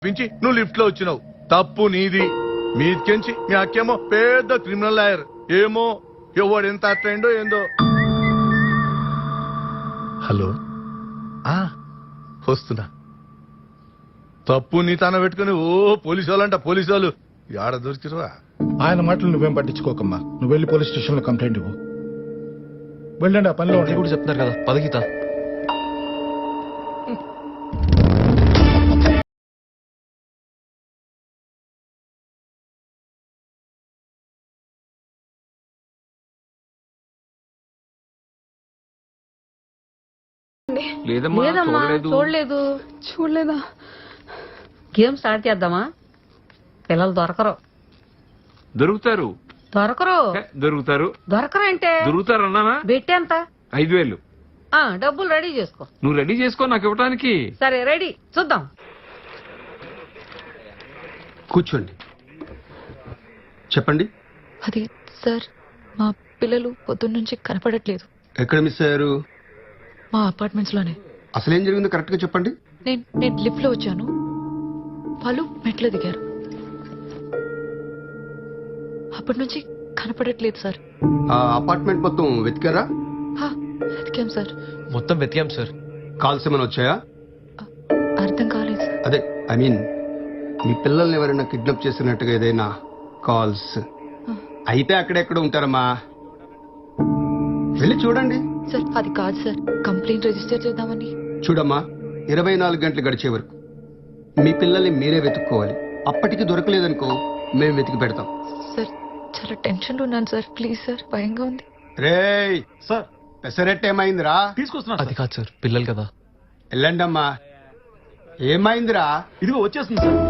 పిలిపించి నువ్వు లిఫ్ట్ లో వచ్చినావు. తప్పు నీది. మీదికెంచి మీ అక్కేమో పెద్ద క్రిమినల్ లాయర్. ఏమో ఎవడు ఎంత అట్లయిండో ఏందో. హలో, వస్తున్నా. తప్పు నీ తాన పెట్టుకుని పోలీసు వాళ్ళంట. పోలీసు వాళ్ళు ఆడ దొరికిరువా? ఆయన మాటలు నువ్వేం పట్టించుకోకమ్మా. నువ్వు వెళ్ళి పోలీస్ స్టేషన్ లో కంప్లైంట్ ఇవ్వు. వెళ్ళండి, ఆ పనిలో కూడా చెప్తున్నారు కదా. పదగీత లేదమ్మా, చూడలేదు. చూడలేదా? గేమ్ స్టార్ట్ చేద్దామా? పిల్లలు దొరకరు. దొరుకుతారు అంటే దొరుకుతారు అన్నానా? బెట్టి ఎంత? 5,000. డబ్బులు రెడీ చేసుకో. నువ్వు రెడీ చేసుకో నాకు ఇవ్వడానికి. సరే రెడీ, చూద్దాం. కూర్చోండి, చెప్పండి. అది సార్, మా పిల్లలు పొద్దున్నుంచి కనపడట్లేదు. ఎక్కడ మిస్ అయ్యారు? మా అపార్ట్మెంట్స్ లోనే. అసలేం జరిగిందో కరెక్ట్ గా చెప్పండి. నేను లిఫ్ట్ లో వచ్చాను, వాళ్ళు మెట్లు దిగారు. అప్పటి నుంచి కనపడట్లేదు సార్. ఆ అపార్ట్మెంట్ మొత్తం వెతికారా? వెతికాం సార్. మొత్తం వెతికాం సార్. కాల్స్ ఏమైనా వచ్చాయా? అర్థం కాలేదు సార్. అదే ఐ మీన్ మీ పిల్లల్ని ఎవరైనా కిడ్నాప్ చేసినట్టుగా ఏదైనా కాల్స్ అయితే అక్కడెక్కడ ఉంటారమ్మా? వెళ్ళి చూడండి. సార్ అది కాదు సార్, కంప్లైంట్ రిజిస్టర్ చేద్దామని. చూడమ్మా, 24 గంటలు గడిచే వరకు మీ పిల్లల్ని మీరే వెతుక్కోవాలి. అప్పటికి దొరకలేదనుకో మేము వెతికి పెడతాం. సార్ చాలా టెన్షన్ లో ఉన్నాను సార్, ప్లీజ్ సార్, భయంగా ఉంది. రేయ్ సార్, పెసరెట్ ఏమైందిరా? తీసుకొస్తున్నా. అది కాదు సార్, పిల్లలు కదా. వెళ్ళండమ్మా. ఏమైందిరా? ఇదిగో వచ్చేస్తుంది సార్.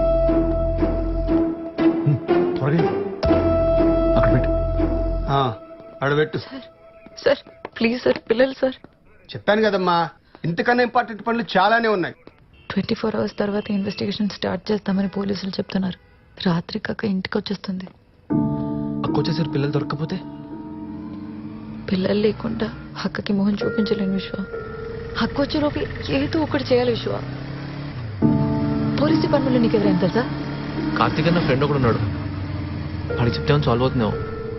త్వరగా అక్కడ పెట్టు. అడబెట్టు. సార్ ప్లీజ్ సార్, పిల్లలు సార్. చెప్పాను కదమ్మా, ఇంతకన్నా ఇంపార్టెంట్ పనులు చాలానే ఉన్నాయి. 24 hours తర్వాత ఇన్వెస్టిగేషన్ స్టార్ట్ చేస్తామని పోలీసులు చెప్తున్నారు. రాత్రి కాక ఇంటికి వచ్చేస్తుంది. అక్కొచ్చేసారు. పిల్లలు దొరకకపోతే పిల్లలు లేకుండా అక్కకి మొహం చూపించలేను విశ్వ. హక్కు వచ్చేలోపు ఏదో ఒకటి చేయాలి విశ్వ. పోలీస్ డిపార్ట్మెంట్లో నీకు ఎవరైనా తెలుసా? కార్తీక్ అన్న ఫ్రెండ్ ఒకడు ఉన్నాడు. వాడికి చెప్తే సాల్వ్ అవుతున్నావు.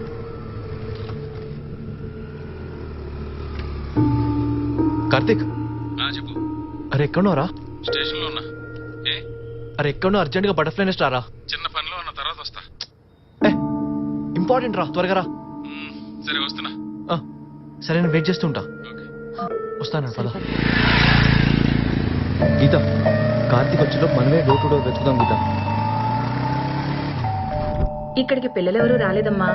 కార్తీక్, చెప్పు. అరే ఎక్కడున్నారా? స్టేషన్ లో ఉన్నా. అరే ఎక్కడున్నా? అర్జెంట్ గా బటర్ఫ్లై నెస్ట్ రారా. చిన్న పనిలో ఉన్న తర్వాత వస్తా. ఇంపార్టెంట్ రా, త్వరగా రా. సరే వస్తున్నా. సరే నేను వెయిట్ చేస్తుంటా. వస్తాను పద. గీత, కార్తీక్ వచ్చేలో మనమే డోర్ టు డోర్ వెతుకుదాం. గీత, ఇక్కడికి పిల్లలెవరూ రాలేదమ్మా.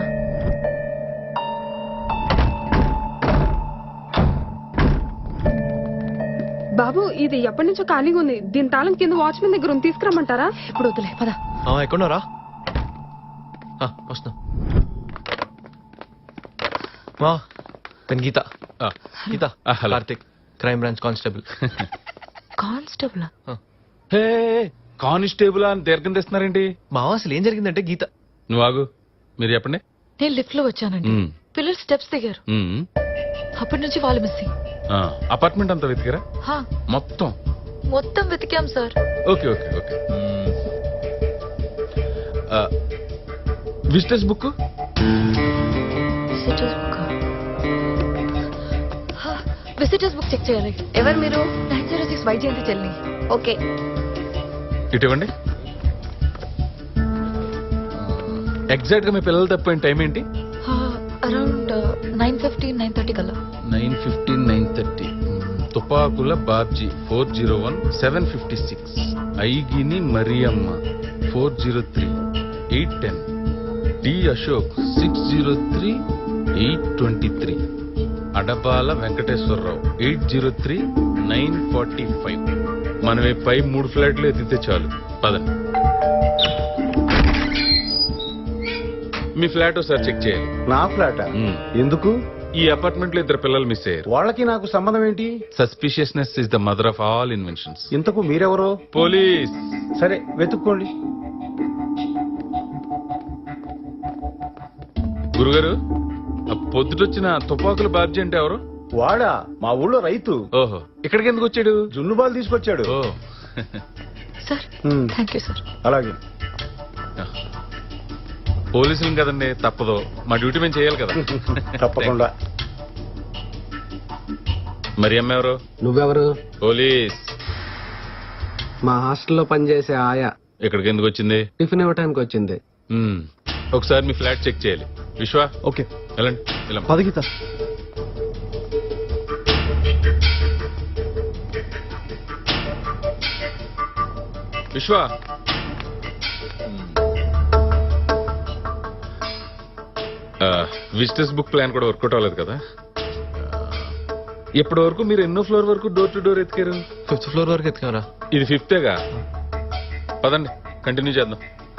బాబు, ఇది ఎప్పటి నుంచో ఖాళీగా ఉంది. దీని తాళం కింద వాచ్మెన్ దగ్గర ఉంది, తీసుకురమ్మంటారా? ఇప్పుడు వద్దులే, పద. ఎక్కడున్నారా? వస్తున్నా. Geetha, Geetha, Karthik, crime branch constable. Constable? Constable అని దీర్ఘం తెస్తున్నారేంటి? మా అసలు ఏం జరిగిందంటే గీత. నువ్వు ఆగు, మీరు చెప్పండి. నేను లిఫ్ట్ లో వచ్చానండి. పిల్లలు స్టెప్స్ దిగారు. అప్పటి నుంచి వాళ్ళు మిస్సింగ్. అపార్ట్మెంట్ అంతా వెతికారా? మొత్తం వెతికాం sir. Okay okay okay. Visitors book visitors book check చేయాలి. ఎవరు మీరు? 906 వైజయంతి చెల్లి. ఓకే, ఇటు ఇవ్వండి. ఎగ్జాక్ట్ గా మీ పిల్లలు తప్పిపోయిన టైం ఏంటి? అరౌండ్ 9:15, 9:30 కల్లా. 9:15, 9:30. తుపాకుల బాబ్జీ 401, 756. ఐగిని మరియమ్మ 403, 810. డి అశోక్ 603, 823. అడపాల వెంకటేశ్వరరావు 803, 945. మనమే పై 3 ఫ్లాట్లు ఎత్తితే చాలు. పదండి. మీ ఫ్లాట్ ఒకసారి చెక్ చేయాలి. నా ఫ్లాటా? ఎందుకు? ఈ అపార్ట్మెంట్ లో 2 పిల్లలు మిస్ అయ్యారు. వాళ్ళకి నాకు సంబంధం ఏంటి? Suspiciousness is the mother of all inventions. ఇంతకు మీరెవరో? పోలీస్. సరే వెతుక్కోండి. గురుగారు, పొద్దుటొచ్చిన తుపాకుల బాబ్జీ అంటే ఎవరు? వాడా? మా ఊళ్ళో రైతు. ఓహో, ఇక్కడికి ఎందుకు వచ్చాడు? జున్ను బాల్ తీసుకొచ్చాడు. ఓ సార్ థ్యాంక్ యూ సార్. అలాగే. పోలీసులు కదండి, తప్పదు. మా డ్యూటీ మేము చేయాలి కదా. తప్పకుండా. మరి అమ్మ ఎవరు? నువ్వెవరు? పోలీస్. మా హాస్టల్లో పనిచేసే ఆయా. ఇక్కడికి ఎందుకు వచ్చింది? టిఫిన్ ఇవ్వటానికి వచ్చింది. ఒకసారి మీ ఫ్లాట్ చెక్ చేయాలి. విశ్వ, ఓకే వెళ్ళండి. వెళ్ళమ్మా. పదగీత. విశ్వ, విజిటర్స్ బుక్ ప్లాన్ కూడా వర్కౌట్ అవ్వలేదు కదా. ఇప్పటి వరకు మీరు ఎన్నో ఫ్లోర్ వరకు డోర్ టు డోర్ ఎత్తికారు? 5th ఫ్లోర్ వరకు ఎత్తుకారా? ఇది 5th పదండి, కంటిన్యూ చేద్దాం.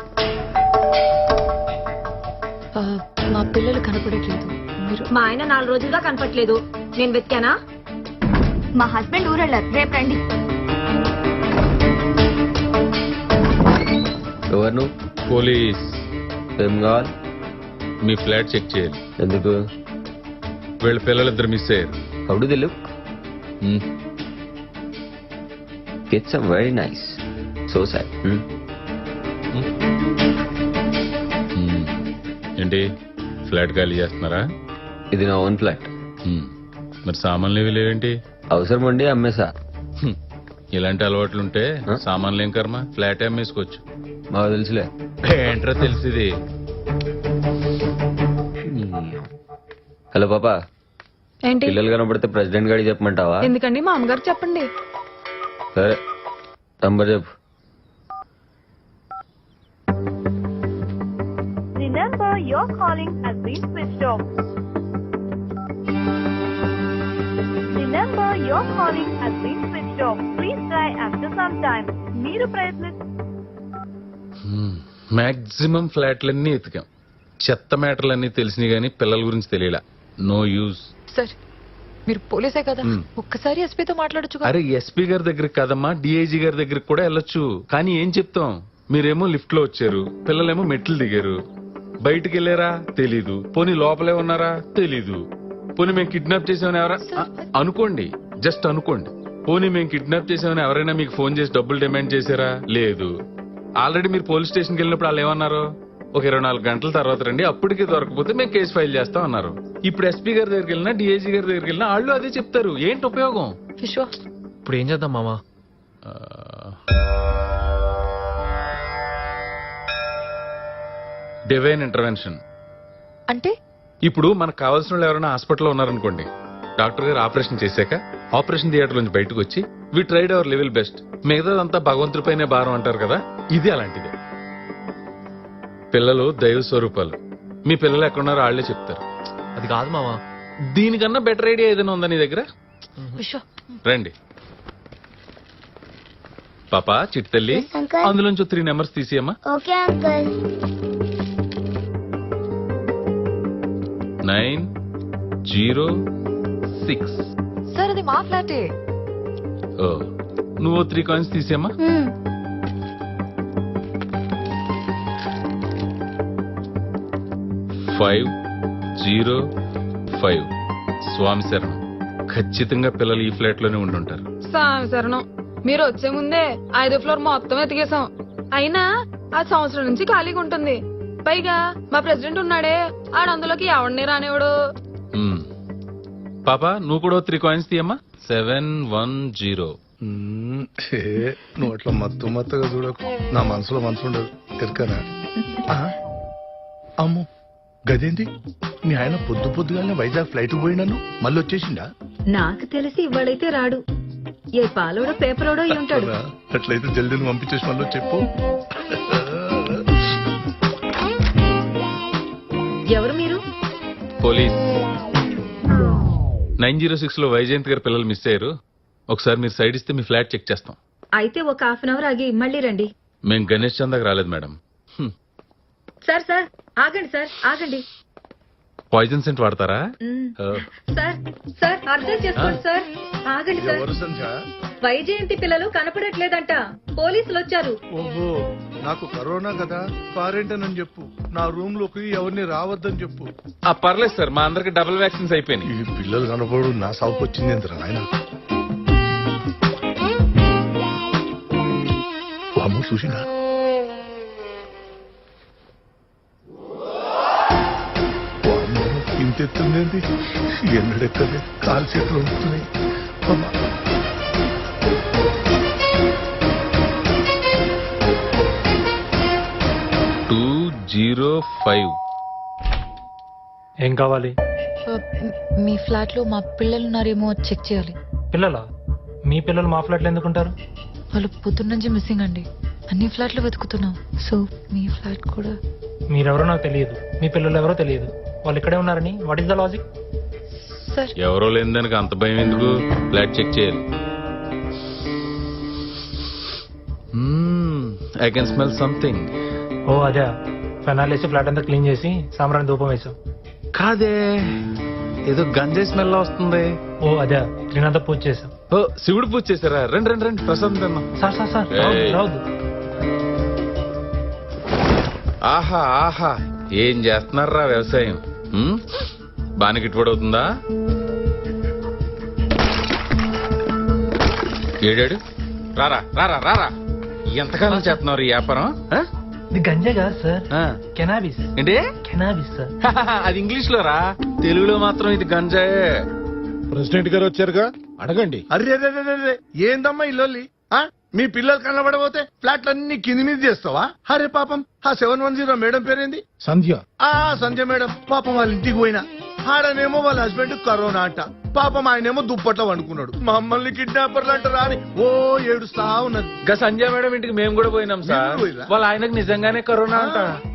మా పిల్లలు కనపడట్లేదు. మీరు మా ఆయన 4 రోజులుగా కనపట్లేదు. నేను వెతికానా? మా హస్బెండ్ ఊరెళ్ళారు, రేపు రండి. ఎవరు నువ్వు? పోలీస్. ఏం కావాలి? మీ ఫ్లాట్ చెక్ చేయాలి. ఎందుకు? వీళ్ళ పిల్లలిద్దరు మిస్ అయ్యారు. How do look? It's very nice. So sad. ఏంటి, ఫ్లాట్ ఖాళీ చేస్తున్నారా? ఇది నా ఓన్ ఫ్లాట్. మరి సామాన్లు ఏవి లేవేంటి? అవసరం ఉండి అమ్మేసా. ఇలాంటి అలవాట్లుంటే సామాన్లు ఏం కర్మ, ఫ్లాట్ అమ్మేసుకోవచ్చు. మాకు తెలుసులే. ఏంట్రా తెలిసింది? హలో పాపా, ఏంటి? పిల్లలు కనపడితే ప్రెసిడెంట్ గారికి చెప్పమంటావా? ఎందుకండి? మా అమ్మగారు చెప్పండి. సరే, నంబర్ చెప్పు. Remember, your calling has been switched off. Remember, your calling has been switched off. Please try after some time. మీరు మాక్సిమం ఫ్లాట్లన్నీ ఎతికాం. చెత్త మ్యాటర్లన్నీ తెలిసినాయి గానీ పిల్లల గురించి తెలియలా. No use. సార్ మీరు పోలీసే కదా, ఒక్కసారి ఎస్పీతో మాట్లాడొచ్చు. అరే ఎస్పీ గారి దగ్గరికి కాదమ్మా, డిఐజీ గారి దగ్గరికి కూడా వెళ్ళొచ్చు. కానీ ఏం చెప్తాం, మీరేమో లిఫ్ట్ లో వచ్చారు, పిల్లలేమో మెట్లు దిగారు. బయటికి వెళ్ళారా తెలీదు, పోనీ లోపలే ఉన్నారా తెలీదు. పోనీ మేము కిడ్నాప్ చేసామని ఎవరా అనుకోండి, జస్ట్ అనుకోండి. పోనీ మేము కిడ్నాప్ చేసామని ఎవరైనా మీకు ఫోన్ చేసి డబ్బులు డిమాండ్ చేశారా? లేదు. ఆల్రెడీ మీరు పోలీస్ స్టేషన్కి వెళ్ళినప్పుడు వాళ్ళు ఏమన్నారు? ఒక 24 గంటల తర్వాత రండి, అప్పటికి దొరకపోతే మేము కేసు ఫైల్ చేస్తాం అన్నారు. ఇప్పుడు ఎస్పీ గారి దగ్గరికి వెళ్ళినా, డిఐజీ గారి దగ్గరికి వెళ్ళినా వాళ్ళు అదే చెప్తారు. ఏంటి ఉపయోగం? విశ్వ, ఇప్పుడు ఏం చేద్దాం మామా? డివైన్ ఇంటర్వెన్షన్ అంటే ఇప్పుడు మనకు కావాల్సిన వాళ్ళు ఎవరైనా హాస్పిటల్లో ఉన్నారనుకోండి, డాక్టర్ గారు ఆపరేషన్ చేశాక ఆపరేషన్ థియేటర్ నుంచి బయటకు వచ్చి we tried our level best, మిగతాదంతా భగవంతుడిపైనే భారం అంటారు కదా, ఇది అలాంటిదే. పిల్లలు దైవ స్వరూపాలు. మీ పిల్లలు ఎక్కడున్నారో వాళ్లే చెప్తారు. అది కాదు మామా. దీనికన్నా బెటర్ ఐడియా ఏదైనా ఉందా నీ దగ్గర? విశ్వ రండి పాపా, చిట్టల్లి, అందులోంచి 3 నెంబర్స్ తీసేయమ్మా. Okay uncle. 906. సార్ అది మా ఫ్లాటే. ఓ, నువ్వు 3 కాయిన్స్ తీసేయమ్మా. 505. స్వామి శరణం. ఖచ్చితంగా పిల్లలు ఈ ఫ్లాట్ లోనే ఉండుంటారు. స్వామి శరణం. మీరు వచ్చే ముందే 5వ ఫ్లోర్ మొత్తం ఎతికేసాం. అయినా ఆ సంవత్సరం నుంచి ఖాళీగా ఉంటుంది. పైగా మా ప్రెసిడెంట్ ఉన్నాడే, ఆడ అందులోకి ఎవడిని రానివాడు. పాపా, నువ్వు కూడా 3 కాయిన్స్ తీయమ్మా. 710. నువ్వు అట్లా మత్తుగా చూడకు, నా మనసులో మనసు ఉండదు ఎరకనా. అమ్మో, గదేంది? మీ ఆయన పొద్దుగానే వైజాగ్ ఫ్లైట్ పోయినాను, మళ్ళీ వచ్చేసిండా? నాకు తెలిసి ఇవాళైతే రాడు. ఏ పాలోడో పేపరోడో అయి ఉంటాడు. అట్లయితే జల్దీని పంపించేసి మళ్ళీ చెప్పు. ఎవరు మీరు? పోలీస్. 906 లో వైజయంత్ గారి పిల్లలు మిస్ అయ్యారు. ఒకసారి మీరు సైడ్ ఇస్తే మీ ఫ్లాట్ చెక్ చేస్తాం. అయితే ఒక 1/2 అవర్ ఆగి మళ్ళీ రండి. మేము గణేష్ చందాకి రాలేదు మేడం. సార్ ఆగండి సార్, ఆగండి. పాయిజన్ సెంట్ వాడతారా? సార్ అర్థం చేసుకోండి సార్, ఆగండి సార్. ఎవరు సంధ్య? వైజయంతి పిల్లలు కనపడట్లేదంట, పోలీసులు వచ్చారు. ఓహో, నాకు కరోనా కదా, క్వారంటైన్ అని చెప్పు. నా రూమ్ లోకి ఎవరిని రావద్దని చెప్పు. పర్లేదు సార్, మా అందరికి డబుల్ వ్యాక్సిన్స్ అయిపోయినాయి. ఈ పిల్లలు కనపడు నా సాగుకు వచ్చింది ఎంత ఆయన. చూసినా ఇంతెత్తుందేంటి ఎన్నడెక్కలే కాలు చేతులు ఉంటున్నాయి అమ్మా. ఏం కావాలి? మీ ఫ్లాట్ లో మా పిల్లలు ఉన్నారేమో చెక్ చేయాలి. పిల్లలా? మీ పిల్లలు మా ఫ్లాట్లో ఎందుకుంటారు? వాళ్ళు పొద్దున్న నుంచి మిస్సింగ్ అండి. అన్ని ఫ్లాట్లు వెతుకుతున్నాం. సో మీ ఫ్లాట్ కూడా. మీరెవరో నాకు తెలియదు, మీ పిల్లలు ఎవరో తెలియదు, వాళ్ళు ఇక్కడే ఉన్నారని what is the logic? Sir ఎవరో లేని దానికి అంత భయం ఎందుకు? ఫ్లాట్ చెక్ చేయాలి. I can smell something. ఓ అదే, ఫెనాల్ వేసి ఫ్లాట్ అంతా క్లీన్ చేసి సాంబ్రాణి ధూపం వేసాం. కాదే, ఏదో గంజాయి స్మెల్ వస్తుంది. ఓ అదే, క్లీన్ అంతా పూజ చేసాం. ఓ శివుడు పూజ చేశారా? రండి రండి రండి, ప్రసాదం తిన్నాం. సార్ సార్ సార్ ఏయ్. రావద్దు. ఆహా ఆహా, ఏం చేస్తున్నారా వ్యవసాయం? బాగా గిట్టుబడి అవుతుందా? ఏడాడు రారా రారా రారా, ఎంతకాలం చేస్తున్నారు ఈ వ్యాపారం? ఆ? ఇది గంజా కాదు సార్, ఆ. కెనాబిస్. ఏంటి? Cannabis sir. అది ఇంగ్లీష్ లో రా, తెలుగులో మాత్రం ఇది గంజాయే. ప్రెసిడెంట్ గారు వచ్చారుగా, అడగండి. అరే ఏందమ్మా ఇల్లు? మీ పిల్లలు కనబడబోతే ఫ్లాట్లన్నీ కింది మీద చేస్తావా? అరే పాపం ఆ 710 మేడం పేరేంది? సంధ్య. సంజయ్ మేడం పాపం వాళ్ళ ఇంటికి పోయినా ఆడనేమో వాళ్ళ హస్బెండ్ కరోనా అంట. పాపం ఆయనేమో దుప్పట్లో వండుకున్నాడు. మమ్మల్ని కిడ్నాపర్లు అంటారా అని ఓ ఏడుస్తా ఉన్నది. సంజయ్ మేడం ఇంటికి మేము కూడా పోయినాం సార్. మీరు పోయిర్రా? వాళ్ళ ఆయనకు నిజంగానే కరోనా అంట.